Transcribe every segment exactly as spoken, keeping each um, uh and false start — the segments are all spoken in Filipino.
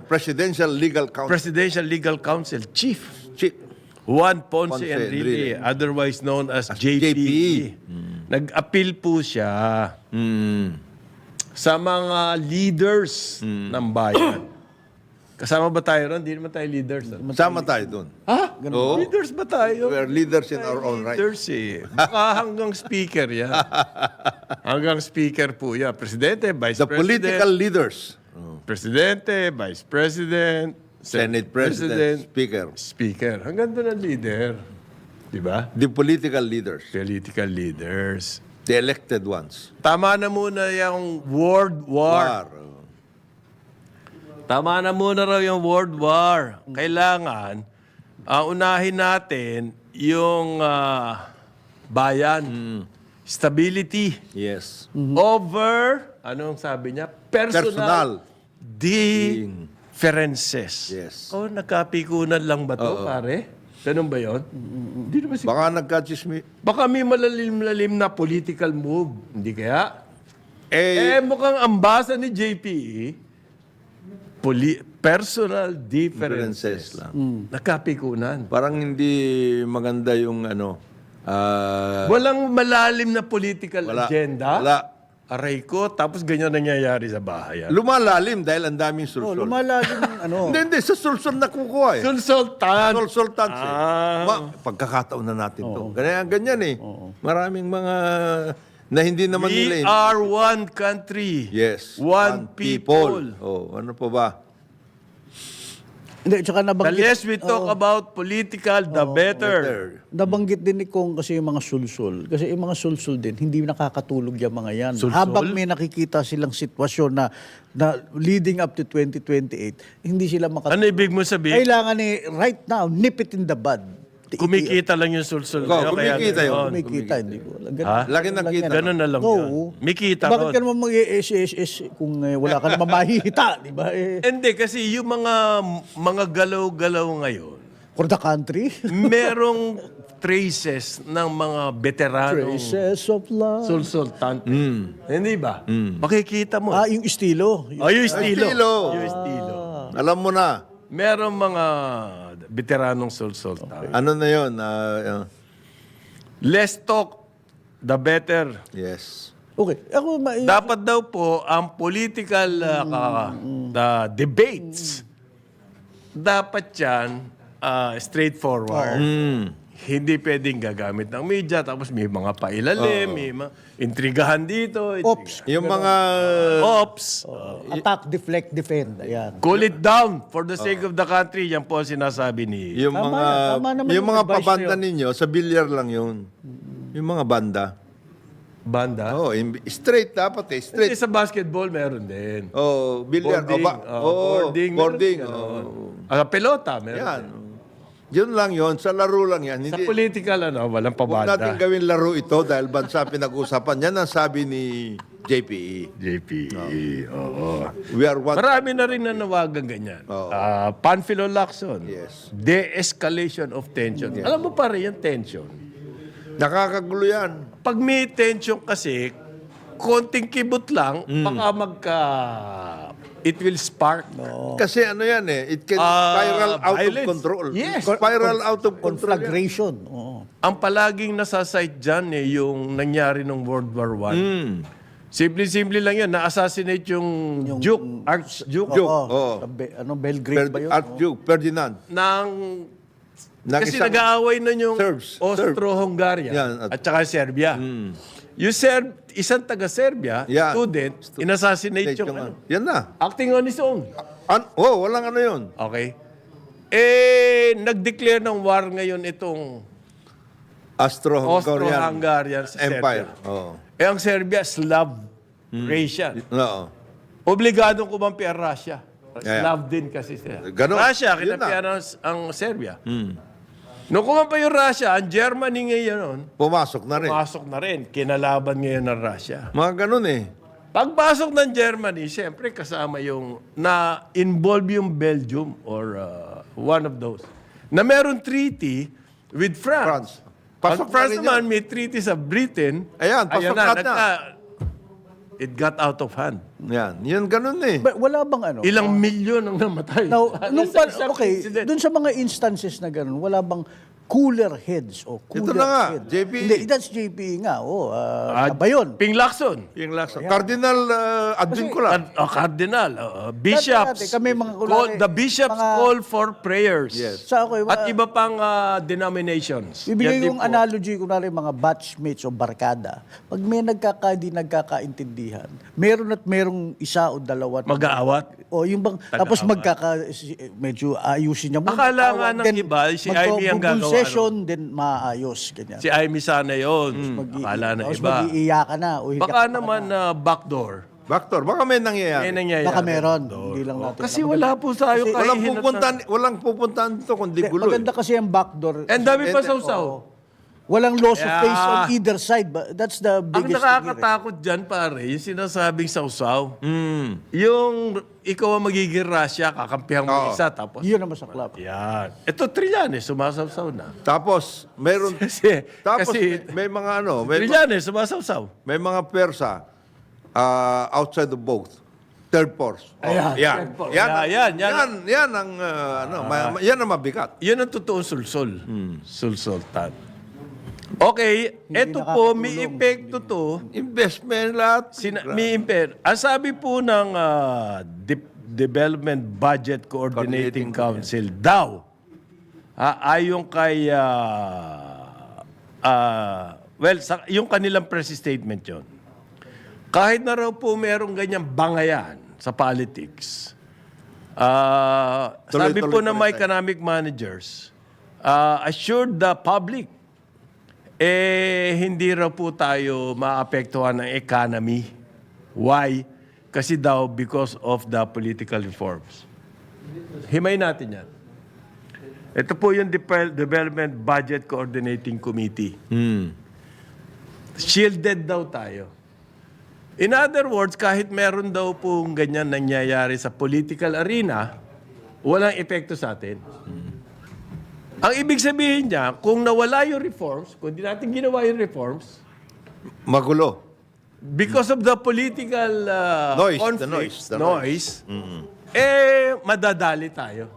Presidential Legal Council. Presidential Legal Council Chief Chief. Juan Ponce, Ponce Enrile, Enrile. otherwise known as, As J P E. J P E. Nag-appeal po siya Mm. sa mga leaders ng bayan. Kasama ba tayo ron? Hindi naman tayo leaders. ah. Sama tayo dun. Ha? Oo. Leaders ba tayo? We are leaders in our own right. Leaders eh. Baka hanggang speaker yan. Hanggang speaker po yan. Presidente, Vice The President. political leaders. Presidente, Vice President, Senate President, Speaker. Speaker. Hanggang doon ang leader. Di ba? The political leaders. Political leaders. The elected ones. Tama na muna yung World War. War. Tama na muna raw yung World War. Kailangan, uh, unahin natin yung ah, bayan. Stability. Yes. Over, anong sabi niya? Personal, Personal. differences. Yes. Oh, nagkapikunan lang ba to, pare? Ganun ba yun? Hindi naman si... Baka nagka-chismi. Baka may malalim-lalim na political move. Hindi kaya? Eh, Eh, mukhang ambasa ni J P E, poli- personal differences. differences lang. Nagkapikunan. Parang hindi maganda yung ano. ah, Walang malalim na political Wala. agenda. Wala. Aray ko, tapos ganyan nangyayari sa bahay. lumalalim dahil ang daming Oh, sulsol. lumalalim ng ano. Hindi, hindi. Sa sulsol na kukuha eh. Sulsultan. Sulsultans eh. Ah. Ma- pagkakataon na natin to. Ganyan, ganyan eh. Maraming mga na hindi naman We nila eh. are one country. Yes. One people. Oh, ano pa ba? Hindi, tsaka The nabanggit, less we talk about political, the better. Better. nabanggit din ni Kong kasi yung mga sulsul. Kasi yung mga sulsul din, hindi nakakatulog yung mga yan. Sulsul? Habang may nakikita silang sitwasyon na, na leading up to twenty twenty-eight, hindi sila makatulog. Ano ibig mo sabihin? Kailangan eh, right now, nip it in the bud. Kumikita lang yung sulsul. Oo, Kaya kaya kumikita yun. ganon. Kumikita, hindi ko. Ganun, Ha? Laki ng kita. Ganun na lang Oo. yun. May kita Bakit ron. ka naman mag-S S S kung eh, wala ka naman mahihita, di ba? Eh, Hindi, kasi yung mga mga galaw-galaw ngayon, for the country. merong traces ng mga veteranong Traces of love. sulsultan. Hindi ba? Makikita mo. Ah, yung estilo. Yung- Oh, yung estilo. estilo. Yung estilo. Alam mo na. Merong mga veteranong sulsultan. Ano na yun? Ah, ah, Less talk, the better. yes. Okay. Ako, ma- Dapat daw po ang political uh, ka- the debates, dapat yan uh, straightforward. Hindi pwedeng gagamit ng media, tapos may mga pailalim, may mga intrigahan dito. Ops. Yung mga Ops. Attack, deflect, defend. Ayan. Cool it down for the sake of the country. Yan po ang sinasabi ni... yung Tama mga na, tama naman yung yung mga advice pabanda na ninyo sa bilyar lang yun. Yung mga banda. Banda. Oh, im- straight dapat eh, Kasi straight. sa basketball, meron din. Oh, bilyar. Boarding. Oh, ba- oh, oh, boarding. boarding. meron din Oh. ganon. Ah, pelota, meron Yan. din. Yun lang yun. Sa laro lang yan. Sa Hindi, political, ano, walang huwag natin pabanda. gawin laro ito dahil bansa pinag-usapan. Yan ang sabi ni J P E. J P E, oo. We are one. Marami na rin nanawagan ganyan. Oo. Ah, Panfilo Lacson. Yes. De-escalation of tension. Alam mo pa rin yung tension. Nakakagulo yan. Pag may tension kasi, konting kibot lang, Mm. baka magka... It will spark. Kasi ano yan eh. It can Ah, spiral out violence. of control. Yes. Spiral out of control yan. Conflagration. Oo. Ang palaging nasasite dyan eh, yung nangyari ng World War One. Mm. Simple-simple lang yan. Na-assassinate yung, Duke, Archduke Duke. Oo. Oo. Sa Be- ano, Belgrade ba yun? Per- Archduke Ferdinand. ng... Ng Kasi isang- nag-aaway na yung Serbs. Austro-Hungaria Yan, at, at- saka Serbia. Yung Serb, isang taga-Serbia, Yan. student, inassassinate yung Yung- ano, Yan na. acting on his own. An- oh, walang ano yun. Okay? Eh, nag-declare ng war ngayon itong Austro-Hungarian Austro-Hungarian sa Empire. Serbia. Oo. Eh, ang Serbia, Slav Croatian. Oo. Obligadong kumampi ang Russia. Yeah. Slav din kasi sila. Ganon. Russia, Yun kinampihan na. ang, ang Serbia. Nung kumampi yung Russia, ang Germany ngayon, Pumasok na rin. pasok na rin. Kinalaban ngayon ng Russia. Mga ganun eh. Pagpasok ng Germany, siyempre kasama yung na-involve yung Belgium or uh, one of those. Na meron treaty with France. France. Pasok Ang France na rin naman may treaty sa Britain. Ayan, pasok na, lahat na. nagka- it got out of hand. Yan. Yan, ganun eh. Ba- wala bang ano? Ilang milyon ang namatay. Now, nung Sa pa, isang okay, incident. dun sa mga instances na gano'n, wala bang cooler heads o cooler Ito na nga, heads? J P E. Hindi, that's J P E nga. Oh, Ah, uh, ba yun? Ping Lacson. Yung last. Cardinal uh, Advincula. Card- oh, Cardinal. oh, bishops. Dati, kami mga kunwari, call, the bishops mga- call for prayers. Yes. Sa ako, eh, At mga- iba pang ah, denominations. Bibigay Yan din yung po. analogy, kunwari mga batchmates o barkada. Pag may nagkakadi, nagkakaintindihan, meron at merong isa o dalawa. Mag-aawat. O yung bang, tapos magkaka, si- medyo ayusin niya muna. Akala nga Tawag, ng then iba, si Ivy ang magko-full gagawa, session, then maayos. Ganyan. Si Amy sana yun. Mag- Akala na tapos iba. mag-iiyakan na. O, hindi Baka ka- naman na backdoor. Baktor, baka may nangyayari. May nangyayari. Baka meron. Hindi lang natin. Kasi wala po tayo Kasi- Walang kahihinat pupuntahan, walang pupuntahan dito kundi Hindi, gulo eh. maganda kasi ang backdoor. na- And dami pa Eh, sausaw. Walang loss of Yeah. face on either side. But that's the Ang biggest thing here, eh. nakakatakot dyan, pare, yung sinasabing sausaw. Mm. Yung ikaw ang magiging rasya, kakampihan mo Oo. isa, tapos... Yun ang masaklap. Yan. Ito, Trillanes, sumasawsaw na. Tapos, meron, Kasi, tapos kasi may, may mga ano, may, Trillanes, sumasawsaw. may mga Persa uh, outside of both. Third force. Oh, Ayan. yan. Third force. Yan, Yeah, yan, yan, yan, yan, ang, uh, ano, ma- ma- yan ang mabigat. Yan ang totoong sulsol. Sulsultan. Okay, eto po, may epekto to. Investment lahat. Sina, may imper. Ang sabi po ng ah, De- Development Budget Coordinating Coordinating Council daw, ah, ayon kay, ah, ah, well, sa, yung kanilang press statement yon. Kahit na raw po merong ganyang bangayan sa politics, ah, Tuloy, sabi tuloy, po ng tuloy mga tayo. economic managers, ah, assured the public eh, hindi raw po tayo maapektuhan ng economy. Why? Kasi daw, because of the political reforms. Himay natin yan. Ito po yung Dep- Development Budget Coordinating Committee. Hmm. Shielded daw tayo. In other words, kahit meron daw pong ganyan nangyayari sa political arena, walang epekto sa atin. Ang ibig sabihin niya, kung nawala yung reforms, kung di natin ginawa yung reforms, Magulo. because of the political uh, Noise, the conflicts, noise, the noise, eh, madadali tayo.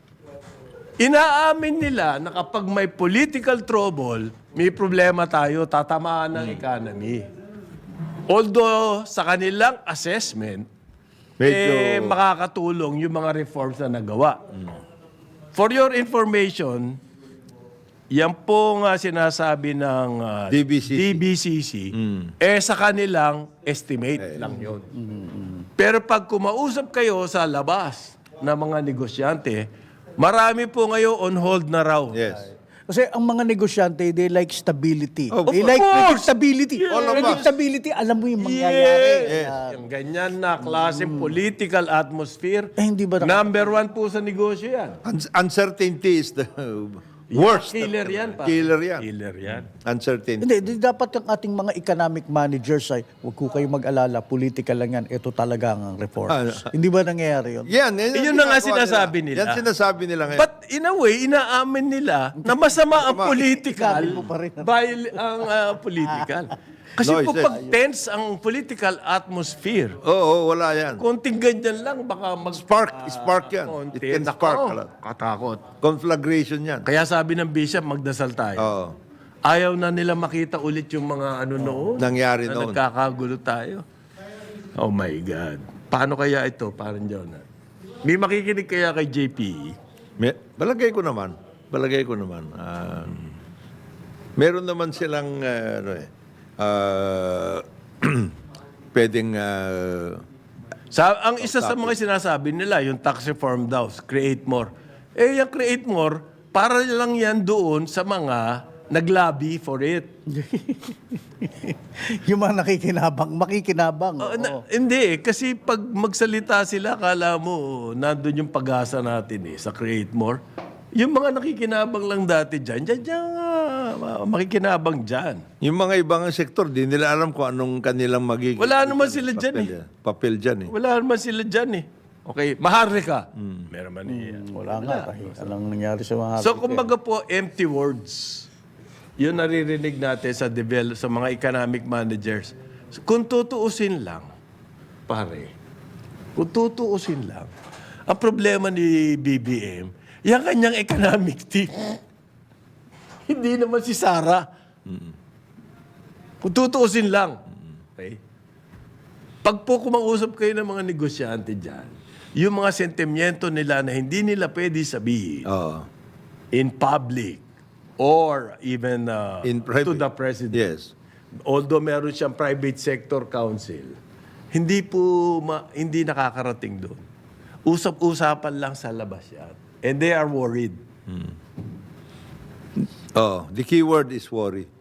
Inaamin nila na kapag may political trouble, may problema tayo, tatamaan ng economy. Although, sa kanilang assessment, Medyo- eh, makakatulong yung mga reforms na nagawa. For your information, yan po nga sinasabi ng uh, D B C C. D B C C, eh sa kanilang estimate lang yun. Pero pag kumausap kayo sa labas ng mga negosyante, marami po ngayon on hold na raw. Yes. Kasi ang mga negosyante, they like stability. Of they like course. predictability. All of us. Predictability, alam mo yung mangyayari. Yes. Yung ganyan na klaseng political atmosphere, Eh, hindi ba na- number one po sa negosyo yan. Un- uncertainty is the worst. Killer yan pa. Killer yan. Killer yan. Hindi, Uncertainty. di- dapat yung ating mga economic managers ay, huwag ko kayo mag-alala, political lang yan, ito talaga ang reforms. Ano? Hindi ba nangyayari yun? Yan, yan, Yun ang na nga ginagawa sinasabi nila. Yan sinasabi nila ngayon. But in a way, inaamin nila na masama ang political Sinabi mo pa rin. dahil ang ah, political. Kasi po Noises. pag tense ang political atmosphere, Oo, oh, wala yan. konting ganyan lang, baka mag... Spark, spark yan. konti. It can Nako, spark a lot. katakot. Conflagration yan. Kaya sabi ng bishop, magdasal tayo. Oo. Ayaw na nila makita ulit yung mga ano noon. Nangyari na noon. nagkakagulo tayo. Oh my God. Paano kaya ito, parang Jonah? May makikinig kaya kay J P E? May, balagay ko naman. Balagay ko naman. Ah, meron naman silang, ah, ano eh, ah, pwedeng, ah, Sa, ang isa sa mga sinasabi nila, yung tax reform daw, create more. Eh, yung create more, para lang yan doon sa mga naglabi for it. yung mga nakikinabang, makikinabang. Uh, oo. na, hindi eh, kasi pag magsalita sila, kala mo, nandun yung pag-asa natin eh, sa create more. Yung mga nakikinabang lang dati dyan, dyan, dyan, ah, makikinabang dyan. yung mga ibang sektor, di nila alam kung anong kanilang magiging... Wala naman sila dyan papel, eh. Papel dyan eh. Wala naman sila dyan eh. Okay, Maharlika. Meron man eh. Wala nga, kahit anong nangyari sa mga... So, kumbaga po, empty words. Yun naririnig natin sa develop, sa mga economic managers. Kung tutuusin lang, pare, kung tutuusin lang, ang problema ni B B M, yung kanyang economic team. Hindi naman si Sara. Kung tutuusin lang. Okay? Pag po kumausap kayo ng mga negosyante dyan, yung mga sentimiento nila na hindi nila pwede sabihin Oo. in public or even uh, In to private. the president. Yes. Although meron siyang private sector council, hindi po ma- hindi nakakarating doon. Usap-usapan lang sa labas yan. And they are worried. Oh, the key word is worry.